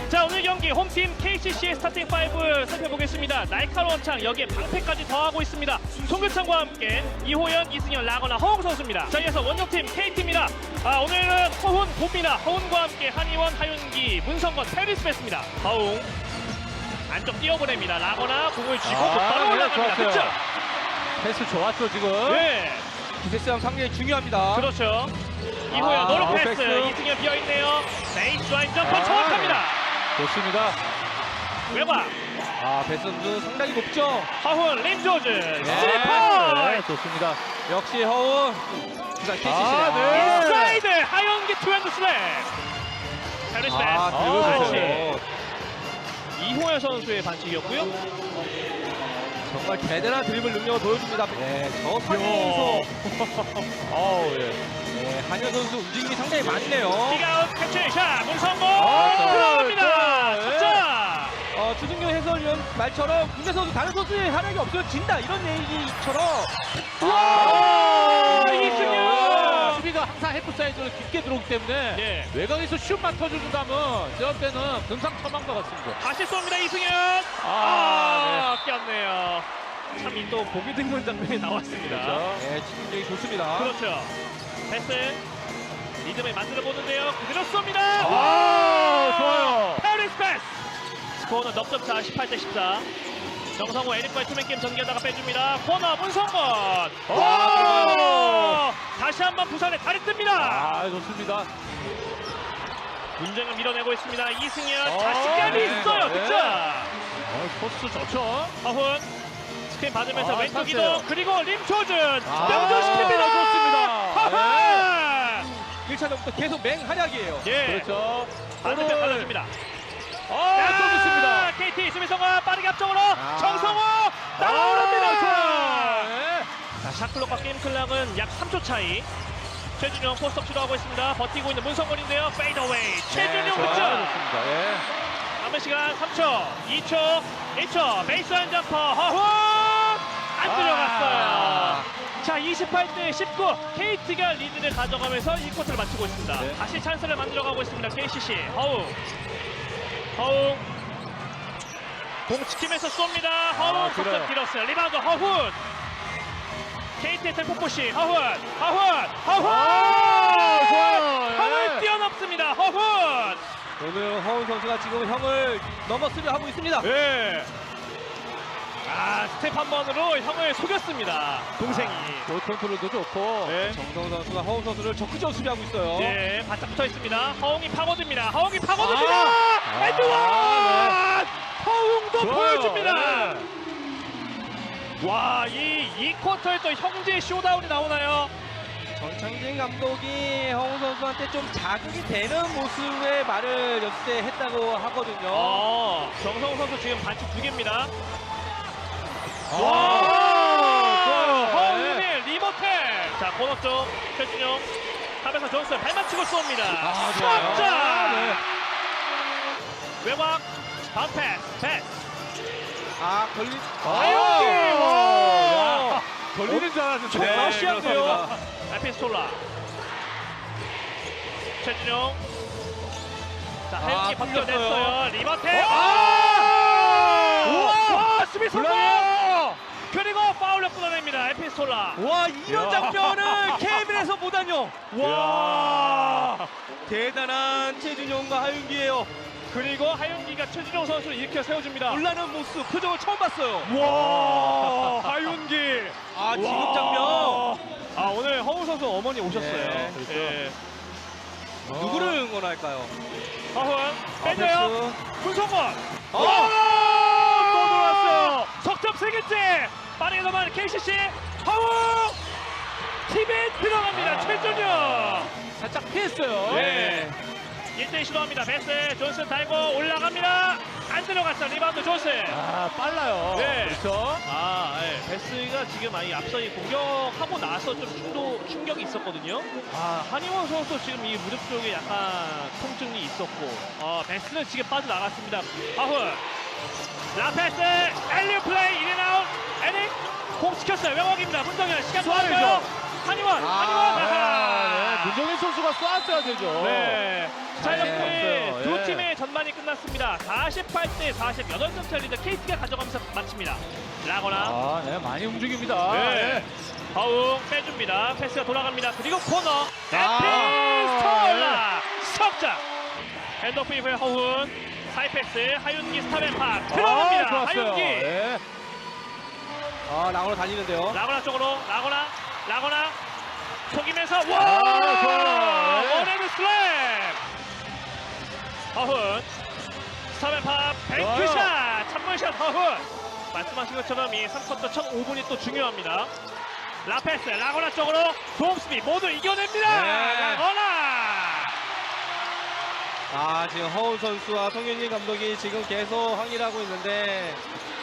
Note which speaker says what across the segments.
Speaker 1: 자, 오늘 경기 홈팀 KCC의 스타팅 5 살펴보겠습니다. 날카로운 창, 여기에 방패까지 더하고 있습니다. 송교창과 함께 이호연, 이승현, 라거나, 허웅 선수입니다. 자, 이어서 원정팀 KT입니다. 오늘은 허훈, 봅니다. 허훈과 함께 한희원, 하윤기, 문성건, 페리스베스입니다. 허웅 안쪽 뛰어보냅니다. 라거나 공을 쥐고 곧바로 올라갑니다. 그렇죠?
Speaker 2: 패스 좋았죠 지금.
Speaker 1: 네,
Speaker 2: 기세싸움 상당히 중요합니다.
Speaker 1: 그렇죠. 이호연 노로 패스,
Speaker 2: 패스.
Speaker 1: 이승현 비어있네요. 베이스라인 점퍼
Speaker 2: 아,
Speaker 1: 정확합니다.
Speaker 2: 좋습니다.
Speaker 1: 외곽
Speaker 2: 패스 선수 상당히 높죠.
Speaker 1: 허훈, 림조즈,
Speaker 2: 네,
Speaker 1: 스리퍼
Speaker 2: 좋습니다. 역시 허훈. 부산 KCC네.
Speaker 1: 네. 인사이드 하연기 투핸드 슬랩. 페리스베스
Speaker 2: 그리고
Speaker 1: 반칙. 이호연 선수의 반칙이었고요.
Speaker 2: 정말 대단한 드리블 능력을 보여줍니다. 네, 저 상에서 한현 선수 움직임이 상당히 많네요.
Speaker 1: 킥아웃 캐치 샷 문성곤
Speaker 2: 자,
Speaker 1: 들어갑니다.
Speaker 2: 네.
Speaker 1: 자,
Speaker 2: 주승용 해설위원 말처럼 국내 선수 다른 선수의 활약이 없으면 진다 이런 얘기처럼.
Speaker 1: 이승현!
Speaker 3: 수비가 항상 헤프 사이드로 깊게 들어오기 때문에
Speaker 1: 예.
Speaker 3: 외곽에서 슛만 터져준다면 제가 때는 금상첨화인 것 같습니다.
Speaker 1: 다시 쏩니다 이승현. 꼈네요. 참 이 또 보기 드문 장면이 나왔습니다.
Speaker 2: 네, 집중력이 좋습니다.
Speaker 1: 그렇죠. 패스 리듬을 만들어 보는데요. 그대로 쏩니다.
Speaker 3: 좋아요.
Speaker 1: 페리스베스. 스코어는 넉점차 18대 14. 정성호 에릭과의 투맨 게임 전개하다가 빼줍니다. 코너 문성건. 다시 한번 부산에 다리 뜹니다.
Speaker 3: 좋습니다.
Speaker 1: 문정현 밀어내고 있습니다. 이승현 자신감이 있어요.
Speaker 2: 네.
Speaker 1: 득점.
Speaker 3: 코스 좋죠.
Speaker 1: 허훈 스크린 받으면서 왼쪽
Speaker 3: 찬스예요.
Speaker 1: 이동 그리고 림초준
Speaker 2: 좋습니다.
Speaker 1: 명중시킵니다. 허훈
Speaker 2: 1차전부터 계속 맹활약이에요.
Speaker 1: 예.
Speaker 3: 그렇죠.
Speaker 1: 반대편 발라줍니다.
Speaker 3: 또 좋습니다.
Speaker 1: KT 수비성아 빠르게 앞쪽으로 정성호 따라오릅니다.
Speaker 2: 네.
Speaker 1: 자, 샷클록과 게임 클락은 약 3초 차이. 최준용 포스트업 시도하고 있습니다. 버티고 있는 문성건인데요. 페이더웨이 최준용 득점.
Speaker 2: 좋습니다. 예.
Speaker 1: 남은 시간 3초, 2초, 1초. 베이스라인 점퍼 허훈 안 들어갔어요. 자, 28대 19 KT가 리드를 가져가면서 1쿼터를 마치고 있습니다.
Speaker 2: 네.
Speaker 1: 다시 찬스를 만들어가고 있습니다. KCC 허웅 공 지키면서 �쏩니다. 허훈
Speaker 3: 길어요.
Speaker 1: 속점 길었어요. 리바운드 허훈 KT의 템포포시 허훈
Speaker 3: 좋아요.
Speaker 1: 허훈 뛰어넘습니다. 허훈
Speaker 2: 오늘 허훈 선수가 지금 형을 넘어서려 하고 있습니다.
Speaker 1: 네. 스텝 한 번으로 형을 속였습니다. 동생이.
Speaker 3: 볼 컨트롤도 좋고.
Speaker 1: 네.
Speaker 2: 정성 선수가 허훈 선수를 적극적으로 수비하고 있어요.
Speaker 1: 네, 바짝 붙어 있습니다. 허웅이 파고듭니다. 에드원! 허웅도
Speaker 3: 좋아요.
Speaker 1: 보여줍니다.
Speaker 3: 네.
Speaker 1: 와, 이 쿼터에 또 형제 쇼다운이 나오나요?
Speaker 2: 전창진 감독이 허훈 선수한테 좀 자극이 되는 모습의 말을 연습 때 했다고 하거든요.
Speaker 1: 정성우 선수 지금 반칙 2개입니다.
Speaker 3: 좋아요.
Speaker 1: 허웅이 리모텔. 자, 코너 쪽 최준용. 탑에서 존스 발만 치고 쏩니다.
Speaker 3: 좋아요.
Speaker 1: 자, 외곽 바운스 패스.
Speaker 2: 걸린.
Speaker 1: 하윤기!
Speaker 3: 걸리는 줄 알았는데.
Speaker 1: 네, 러시아인데요.
Speaker 3: 그렇습니다.
Speaker 1: 에피스톨라. 최준용. 자, 하윤기 벗겨냈어요. 리버테. 와, 수비 성공! 그리고 파울로 끊어냅니다. 에피스톨라.
Speaker 2: 와, 이런 장면을 케이블에서 보다뇨. 와, 대단한 최준용과 하윤기예요.
Speaker 1: 그리고 하윤기가 최준용 선수를 일으켜 세워줍니다.
Speaker 2: 놀라는 모습, 표정을 처음 봤어요.
Speaker 1: 와, 하윤기.
Speaker 2: 지금 장면.
Speaker 1: 오늘 허웅 선수 어머니 오셨어요.
Speaker 2: 네,
Speaker 3: 그렇죠.
Speaker 1: 예.
Speaker 2: 누구를 응원할까요?
Speaker 1: 허훈 빼줘요.
Speaker 2: 패스.
Speaker 1: 문성건. 또 들어왔어요. 석점 3개째. 빠르게 넘어가는 KCC. 허웅. 팀에 들어갑니다. 최준용.
Speaker 3: 살짝 피했어요.
Speaker 1: 네. 1대1 시도합니다. 베스 존슨 달고 올라갑니다. 안 들어갔어. 리바운드 존슨.
Speaker 3: 빨라요.
Speaker 1: 네.
Speaker 3: 그렇죠.
Speaker 1: 베스가 지금 앞서 공격하고 나서 좀 충격이 있었거든요. 한희원 선수 지금 이 무릎 쪽에 약간 통증이 있었고, 베스는 지금 빠져나갔습니다. 하훈. 라페스. 엘리오 플레이. 인앤아웃. 에릭. 공 지켰어요. 외곽입니다. 문정현. 시간 좋아요. 한희원.
Speaker 3: 문정현 선수가 쐈어야 되죠.
Speaker 1: 네. 자, 이렇게
Speaker 3: 없어요.
Speaker 1: 두
Speaker 3: 예.
Speaker 1: 팀의 전반이 끝 끝났습니다. 48대 48점 차 리드 KT가 가져가면서 마칩니다. 라거나
Speaker 3: 아, 네, 많이 움직입니다.
Speaker 1: 네. 허웅 빼줍니다. 패스가 돌아갑니다. 그리고 코너
Speaker 3: 아.
Speaker 1: 에피스톨라 석점. 핸드오프 이후에 허훈 사이패스 하윤기 스타맨파 들어갑니다.
Speaker 3: 좋았어요.
Speaker 1: 하윤기
Speaker 3: 네.
Speaker 2: 아, 라거나 달리는데요.
Speaker 1: 라거나 쪽으로 라거나 속이면서
Speaker 3: 좋아요.
Speaker 1: 와
Speaker 3: 네.
Speaker 1: 원핸드 슬램. 허훈 스타맨파 뱅크샷 찬물샷 허훈. 말씀하신 것처럼 이 3쿼터 첫 5분이 또 중요합니다. 라페스 라거나 쪽으로 도움수비 모두 이겨냅니다.
Speaker 2: 네.
Speaker 1: 라거나
Speaker 2: 아, 지금 허훈 선수와 송윤진 감독이 지금 계속 항의를 하고 있는데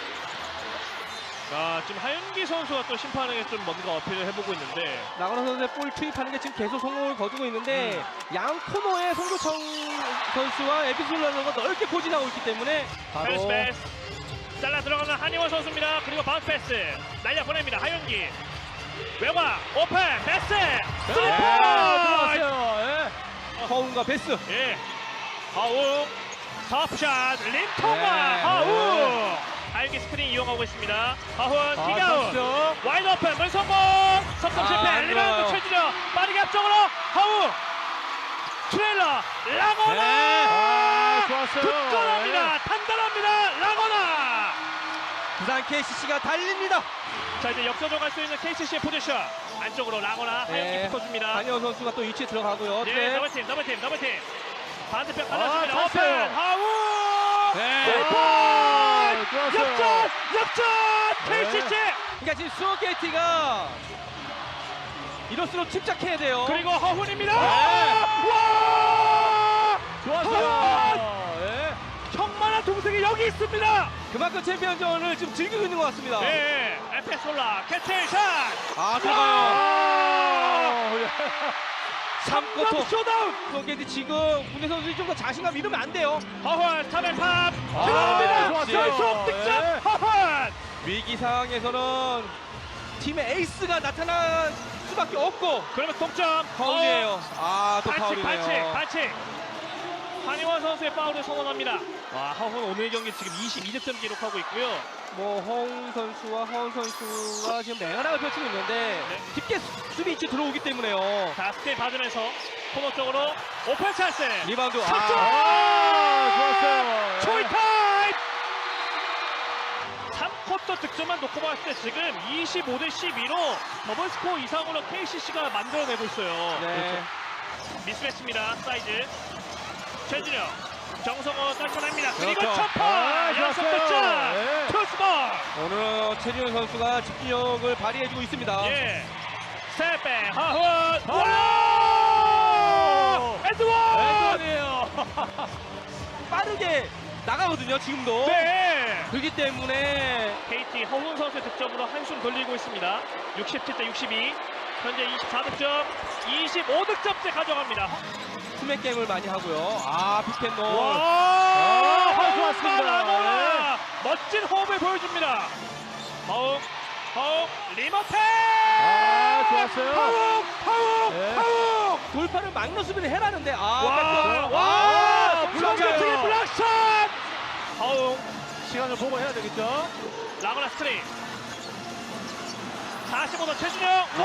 Speaker 1: 지금 하윤기 선수가 또 심판에게 좀 뭔가 어필을 해보고 있는데
Speaker 2: 라거나 선수의 볼 투입하는 게 지금 계속 성공을 거두고 있는데 양 코너에 송교창 선수와 에피솔라 선수가 넓게 포진하고 있기 때문에
Speaker 1: 패스 패스 잘라 들어가는 한희원 선수입니다. 그리고 바운스 패스 날려 보냅니다. 하윤기 외곽 오픈 패스 스리퍼
Speaker 3: 들어갔어요.
Speaker 2: 허훈과 베스.
Speaker 1: 예 하웅 터프샷 림통과
Speaker 2: 네.
Speaker 1: 하웅 하윤기 스크린 이용하고 있습니다. 하훈 킥아웃
Speaker 3: 쳤죠.
Speaker 1: 와이드 오픈 문성공 석점
Speaker 2: 아,
Speaker 1: 실패
Speaker 2: 안
Speaker 1: 리바운드
Speaker 2: 좋아요.
Speaker 1: 최준혁 빠르게 앞쪽으로 하웅 트레일러 라거나
Speaker 3: 아, 좋았어요.
Speaker 1: 굳건합니다. 단단합니다. 라거나
Speaker 2: 부산 KCC가 달립니다.
Speaker 1: 자 이제 역전으로 갈 수 있는 KCC의 포지션 안쪽으로 라거나 하윤기
Speaker 2: 네.
Speaker 1: 붙어줍니다.
Speaker 2: 한희원 선수가 또 위치에 들어가고요.
Speaker 1: 네 더블팀 반대편 받았습니다.
Speaker 3: 아,
Speaker 1: 오픈
Speaker 3: 찼어요.
Speaker 1: 하웅
Speaker 2: 네.
Speaker 1: 오픈
Speaker 3: 좋았어요.
Speaker 1: 역전
Speaker 3: 네.
Speaker 1: KCC
Speaker 2: 그러니까 지금 수원 KT가 이럴수록 침착해야 돼요.
Speaker 1: 그리고 허훈입니다.
Speaker 2: 네.
Speaker 1: 와
Speaker 3: 좋았어요. 예.
Speaker 1: 형만한 동생이 여기 있습니다.
Speaker 2: 그만큼 챔피언전을 지금 즐기고 있는 것 같습니다.
Speaker 1: 네 에페솔라 캐치샷
Speaker 2: 아, 들어가요.
Speaker 3: 아,
Speaker 2: 3쿼터
Speaker 1: 쇼다운
Speaker 2: 수원 KT 지금 국내 선수들이 좀 더 자신감 잃으면 안 돼요.
Speaker 1: 허훈 타벨팝
Speaker 3: 아,
Speaker 1: 들어갑니다.
Speaker 3: 좋았어요.
Speaker 1: 연속 득점
Speaker 3: 네.
Speaker 1: 허훈
Speaker 2: 위기 상황에서는 팀의 에이스가 나타날 수밖에 없고
Speaker 1: 그러면 동점
Speaker 2: 파울이에요. 아, 또
Speaker 1: 반칙
Speaker 2: 파울이네요.
Speaker 1: 반칙 한희원 선수의 파울을 선언합니다. 와 허훈 오늘 경기 지금 22득점 기록하고 있고요.
Speaker 2: 뭐 허웅 선수와 허훈 선수가 지금 맹활약을 펼치고 있는데
Speaker 1: 네.
Speaker 2: 깊게 수비 위치 들어오기 때문에요.
Speaker 1: 자 스틸 받으면서 코너 쪽으로 오픈 찬스
Speaker 2: 리바운드.
Speaker 1: 석점!
Speaker 3: 좋았어요.
Speaker 1: 초이 타임 3쿼터 득점만 놓고 봤을 때 지금 25대 12로 더블 스코어 이상으로 KCC가 만들어내고 있어요.
Speaker 2: 네.
Speaker 1: 미스매치입니다. 사이즈 최준혁 정성호 떨쳐냅니다. 그리고
Speaker 2: 그렇죠.
Speaker 1: 첫퍼
Speaker 3: 아,
Speaker 1: 연속
Speaker 3: 좋았어요.
Speaker 1: 득점
Speaker 3: 네.
Speaker 1: 투스볼
Speaker 2: 오늘 최준현 선수가 집중력을 발휘해주고 있습니다.
Speaker 1: 예 스텝백 하훈
Speaker 3: 아!
Speaker 1: 와 엔드원
Speaker 3: 왼손이에요.
Speaker 2: 빠르게 나가거든요, 지금도.
Speaker 1: 네
Speaker 2: 그렇기 때문에
Speaker 1: KT 허훈 선수의 득점으로 한숨 돌리고 있습니다. 67대 62 현재 24득점 25득점째 가져갑니다.
Speaker 2: 투맨 게임을 많이 하고요. 아, 픽앤롤.
Speaker 1: 와
Speaker 3: 허훈 좋았습니다.
Speaker 1: 라거나 멋진 호흡을 보여줍니다. 허웅 리머테
Speaker 3: 아, 좋았어요.
Speaker 1: 허웅
Speaker 3: 네.
Speaker 2: 돌파를 막는 수비를 해라는데
Speaker 1: 와
Speaker 2: 블락이에요.
Speaker 1: 블락샷 블락샷 허웅
Speaker 3: 시간을 보고 해야 되겠죠?
Speaker 1: 라거나 스트레이 45도 최준영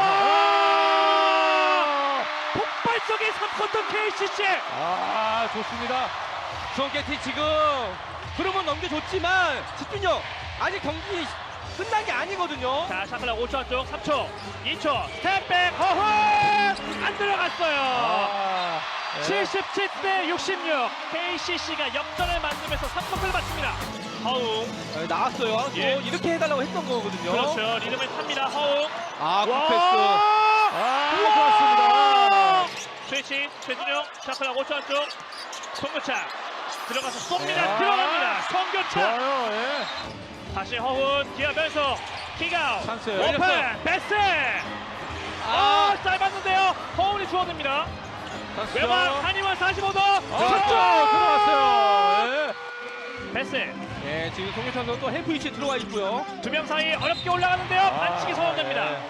Speaker 1: 와 폭발적인 3쿼터 KCC
Speaker 3: 아, 좋습니다.
Speaker 2: 수원 KT 지금 흐름은 넘겨줬지만 집중력 아직 경기 끝난 게 아니거든요.
Speaker 1: 자 샤클락 5초 안쪽 3초 2초 스텝백 허훈 안 들어갔어요.
Speaker 3: 아, 네.
Speaker 1: 77대 66 KCC가 역전을 만들면서 3쿼터를 마칩니다. 허웅
Speaker 2: 네, 나왔어요.
Speaker 1: 예.
Speaker 2: 또 이렇게 해달라고 했던 거거든요.
Speaker 1: 그렇죠 리듬을 탑니다. 허웅
Speaker 2: 아, 굿패스.
Speaker 3: 아,
Speaker 1: 우와!
Speaker 3: 좋았습니다.
Speaker 1: 스위치 최준영 샤클락 5초 안쪽 송교창 들어가서 쏩니다.
Speaker 3: 아,
Speaker 1: 들어갑니다. 송교창
Speaker 3: 좋아요. 예.
Speaker 1: 다시 허훈 기어면서 킥아웃
Speaker 3: 찬스예요.
Speaker 1: 오픈
Speaker 2: 열렸어요.
Speaker 1: 베스
Speaker 2: 아,
Speaker 1: 짧았는데요. 허훈이 주워듭니다.
Speaker 3: 찬스죠.
Speaker 1: 외곽 한이원 45도
Speaker 3: 아, 들어왔어요. 예.
Speaker 1: 베스
Speaker 2: 예, 지금 송유찬 선수 또 헬프 위치에 들어와 있고요.
Speaker 1: 두 명 사이 어렵게 올라가는데요. 반칙이 선언됩니다.
Speaker 3: 예.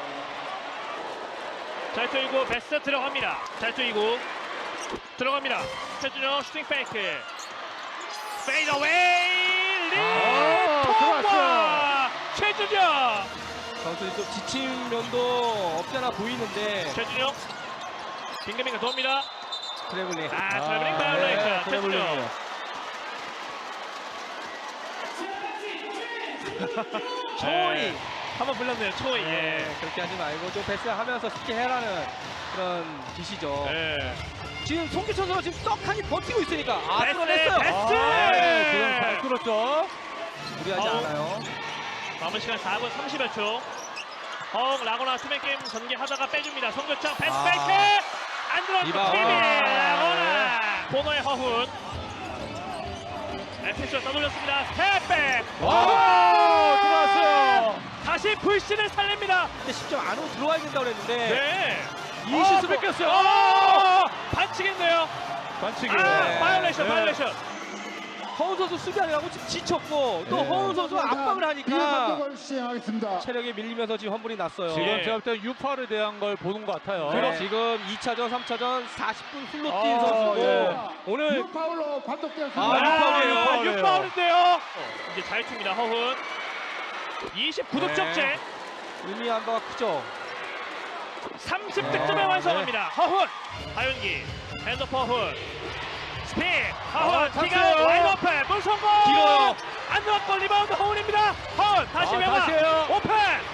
Speaker 1: 잘 쪼이고 베스 들어갑니다. 잘 쪼이고 들어갑니다. 최준영 슈팅 페이크 페이더웨이
Speaker 3: 들어왔어요.
Speaker 1: 리통과 최준영.
Speaker 2: 선수들이 좀 지친 면도 없지 않아 보이는데
Speaker 1: 최준영 빙글빙글 돕니다.
Speaker 2: 트래블링.
Speaker 1: 트래블링 바이올레이션 최준영.
Speaker 2: 초이.
Speaker 1: 한번 불렀네요. 초이. 예.
Speaker 2: 그렇게 하지 말고 좀 패스하면서 쉽게 해라는 그런 뜻이죠.
Speaker 1: 예.
Speaker 2: 지금 송기천 선수 지금 떡하니 버티고 있으니까
Speaker 1: 패스,
Speaker 2: 뚫어냈어요.
Speaker 1: 패스!
Speaker 3: 지금 잘 뚫었죠.
Speaker 2: 무리하지 않아요.
Speaker 1: 남은 시간 4분 30여 초. 라거나 수면 게임 전개하다가 빼줍니다. 송교창 패스
Speaker 2: 아.
Speaker 1: 페이크 안 들어왔고
Speaker 2: 리바운드.
Speaker 1: 팀이
Speaker 2: 아,
Speaker 1: 라거나 코너의 허훈. 에피스가 떠돌렸습니다. 스텝백.
Speaker 3: 들어왔어요.
Speaker 1: 다시 불신을 살립니다.
Speaker 2: 근데 10점 안으로 들어와야 된다고 그랬는데
Speaker 1: 네.
Speaker 2: 이 실수 뺏겼어요.
Speaker 1: 반칙인데요.
Speaker 3: 반칙이에요.
Speaker 2: 네.
Speaker 1: 바이올레이션,
Speaker 3: 네.
Speaker 1: 바이올레이션.
Speaker 2: 허훈 선수 수비하느라고 지금 지쳤고 또
Speaker 3: 네.
Speaker 2: 허훈 선수가 압박을 하니까
Speaker 4: 공격을 시행하겠습니다.
Speaker 2: 체력이 밀리면서 지금 환불이 났어요.
Speaker 3: 지금
Speaker 1: 예.
Speaker 3: 제가 볼 때 유파를 대한 걸 보는 것 같아요.
Speaker 2: 그리고 지금 2차전, 3차전 40분 훌로 뛴
Speaker 3: 아,
Speaker 2: 선수고
Speaker 3: 예.
Speaker 2: 오늘
Speaker 4: 유파울로 판독되었습니다.
Speaker 2: 아, 육파울이에요.
Speaker 1: 6파울인데요. 이제 잘 춥니다. 허훈. 29득점째.
Speaker 2: 네. 의미한 바가 크죠.
Speaker 1: 30득점에
Speaker 2: 네.
Speaker 1: 완성합니다. 허훈. 하윤기. 핸드포 허훈. 스핀. 허훈. 키가
Speaker 3: 찼어요.
Speaker 1: 와이드 오픈. 물 성공.
Speaker 2: 길어요.
Speaker 1: 안 들어왔고 리바운드 허훈입니다. 허훈. 다시 외곽.
Speaker 3: 다시요.
Speaker 1: 오픈.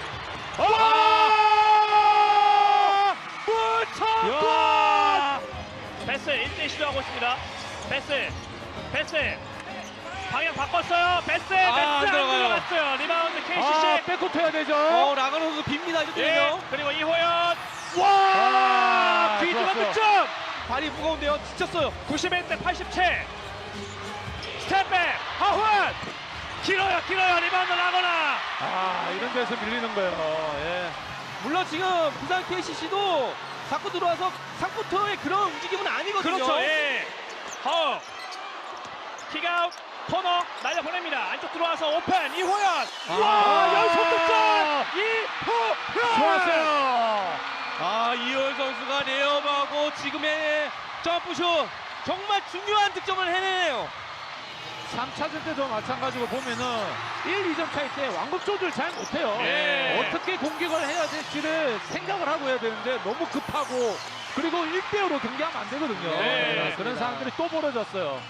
Speaker 1: 물 성공. 패스 1대 시도하고 있습니다. 패스. 방향 바꿨어요. 패스 안
Speaker 2: 들어가요.
Speaker 1: 들어갔어요. 리바운드 KCC.
Speaker 3: 백코트 해야 되죠.
Speaker 2: 라가노 선수 빕니다. 이거
Speaker 1: 예.
Speaker 2: 되면요.
Speaker 1: 그리고 이호연. 와! 뒤집어
Speaker 3: 좋았어요.
Speaker 1: 득점.
Speaker 2: 발이 무거운데요. 지쳤어요.
Speaker 1: 91대 87. 스텝백. 하훈. 길어요. 리바운드 라거나.
Speaker 3: 이런 데서 밀리는 거예요. 예.
Speaker 2: 물론 지금 부산 KCC도 자꾸 들어와서 상부터의 그런 움직임은 아니거든요.
Speaker 1: 그렇죠. 예. 허. 킥아웃. 코너 날려 보냅니다. 안쪽 들어와서 오픈. 이호연. 와! 연속 득점. 이호연.
Speaker 3: 좋았어요.
Speaker 2: 이호연 선수가 레이업하고 지금의 점프슛 정말 중요한 득점을 해내네요.
Speaker 3: 3차전 때도 마찬가지로 보면은 1, 2점 차이 때 완급 조절 잘 못해요.
Speaker 1: 예.
Speaker 3: 어떻게 공격을 해야 될지를 생각을 하고 해야 되는데 너무 급하고 그리고 1대5로 경기하면 안 되거든요.
Speaker 1: 네.
Speaker 3: 그런 상황들이 또 벌어졌어요.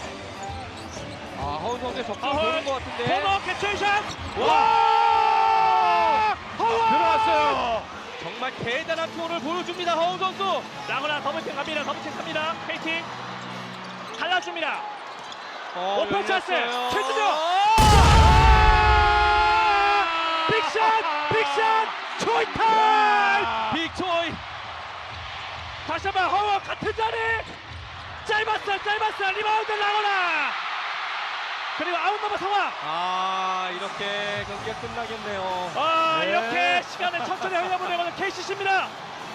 Speaker 2: 허훈 선수의 적극
Speaker 1: 허훈.
Speaker 2: 보는 것 같은데.
Speaker 1: 코너 캐치샷. 와! 허훈.
Speaker 3: 들어왔어요.
Speaker 2: 정말 대단한 표를 보여줍니다. 허훈 선수.
Speaker 1: 라거나 더블팀 갑니다. KT. 갈라줍니다. 오픈 찬스.
Speaker 2: 열렸어요.
Speaker 1: 최준영. 빅샷. 초이 타임.
Speaker 2: 빅초이.
Speaker 1: 다시 한번 허워 같은 자리. 짧았어. 리바운드 라거나. 그리고 아웃넘버 상황.
Speaker 2: 이렇게 경기가 끝나겠네요.
Speaker 3: 네.
Speaker 1: 이렇게 시간을 천천히 흘려보내고는 KCC입니다.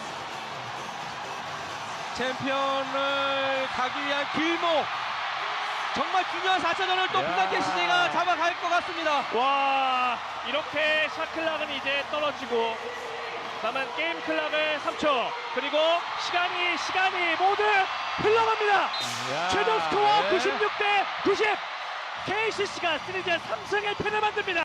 Speaker 2: 챔피언을 가기 위한 길목. 정말 중요한 4차전을 또
Speaker 3: 야.
Speaker 2: 부산 KCC가 잡아갈 것 같습니다.
Speaker 1: 와, 이렇게 샷클락은 이제 떨어지고 남은 게임 클락을 3초. 그리고 시간이 모두 흘러갑니다. 최종 스코어 96대 90. KCC가 시리즈 3승 1패를 만듭니다.